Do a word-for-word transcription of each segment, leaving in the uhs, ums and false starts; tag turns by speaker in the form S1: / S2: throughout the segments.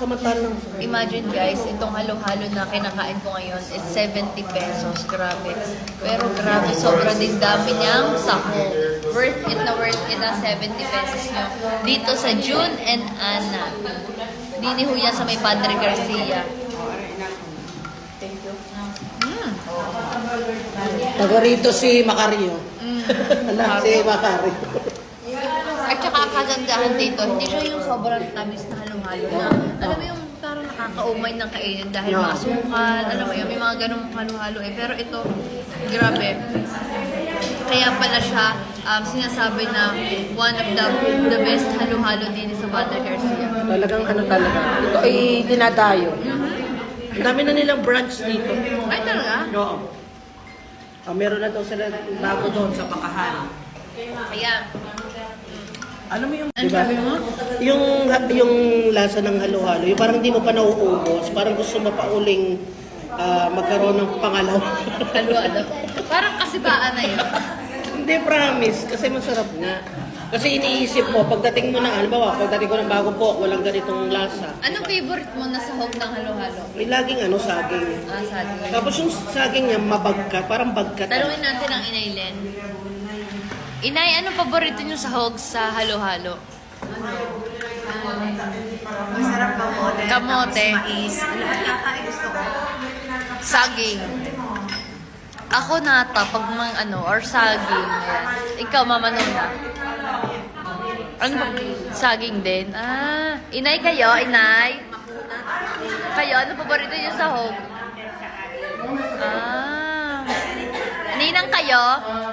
S1: samantalang.
S2: Imagine guys, itong halo-halo na kinakain ko ngayon is seventy pesos. Grabe. Pero grabe, sobrang din dami niyang sahog. Worth it na worth it na seventy pesos nyo. Dito sa June and Anna. Dini ho yan sa may Padre Garcia.
S1: Thank you.
S2: Mm.
S1: Taga rito si Macario.
S2: Mm.
S1: Alam, si Macario.
S2: At saka kagandahan dito, hindi siya yung sobrang tamis na halo-halo na. Alam mo yung parang nakakaumay ng kainin dahil
S1: Yeah.
S2: maasukal, alam mo yun, may mga ganung halo-halo eh. Pero ito, grabe. Kaya pala siya um, sinasabi na one of the the best halo-halo din sa Padre Garcia.
S1: Talagang ano talaga. Ito ay dinadayo.
S2: Mm-hmm.
S1: Ang dami na nilang branch dito.
S2: Ay talaga?
S1: Oo. Ah, meron na daw sila bago doon sa Pakahan.
S2: Kaya,
S1: Alam mo yung,
S2: ano sabi mo?
S1: Yung, yung lasa ng halo-halo, yung parang hindi mo pa nauubos, parang gusto mo pa uling ah, magkaroon ng pangalaw.
S2: Halo-halo. Parang kasibaan na yun.
S1: Hindi, promise, kasi masarap nga. Kasi iniisip mo, pagdating mo na, halimbawa, pagdating ko ng bagong po, walang ganitong lasa.
S2: Anong favorite mo na sahog ng halo-halo?
S1: May laging ano, saging.
S2: Ah, saging.
S1: Tapos yung saging niya, mabagkat, parang bagkat.
S2: Tanungin natin ang Inay Len. Inay, anong paborito niyo sahog sa halo-halo?
S3: Masarap kamote.
S2: Kamote.
S3: Tapos mais. Ano ba yata ay gusto ko?
S2: Saging. Ako nata, pag mang ano, or saging. Ayan. Ikaw, Mama Nona. Ano ba? Saging din. Ah, Inay kayo, Inay? Kayo, ano paborito niyo sahog? Ah. Ninang kayo?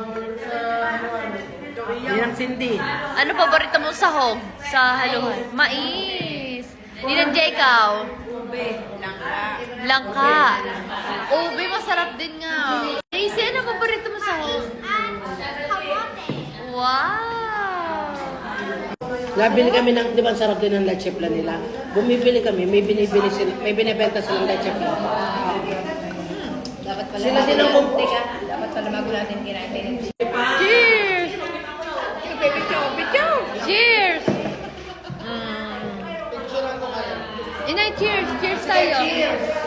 S1: Yan ang sindi.
S2: Ano paborito mong sahog sa halo-halo? Mais. Ninang Jekaw?
S3: Ube. Langka.
S2: Langka. Ube, masarap din nga. Daisy, ano paborito mo sahog? Wow!
S1: Nabili kami ng, di ba, ang sarap din ng leche flan nila. Bumibili kami, may binibili sila, may binibenta silang leche flan.
S3: Dapat pala.
S1: Sila din ang bum-
S3: Teka, dapat pala bago natin kinain.
S2: Cheers! Cheers! Mm. Inay, cheers! Cheers tayo!
S3: Cheers!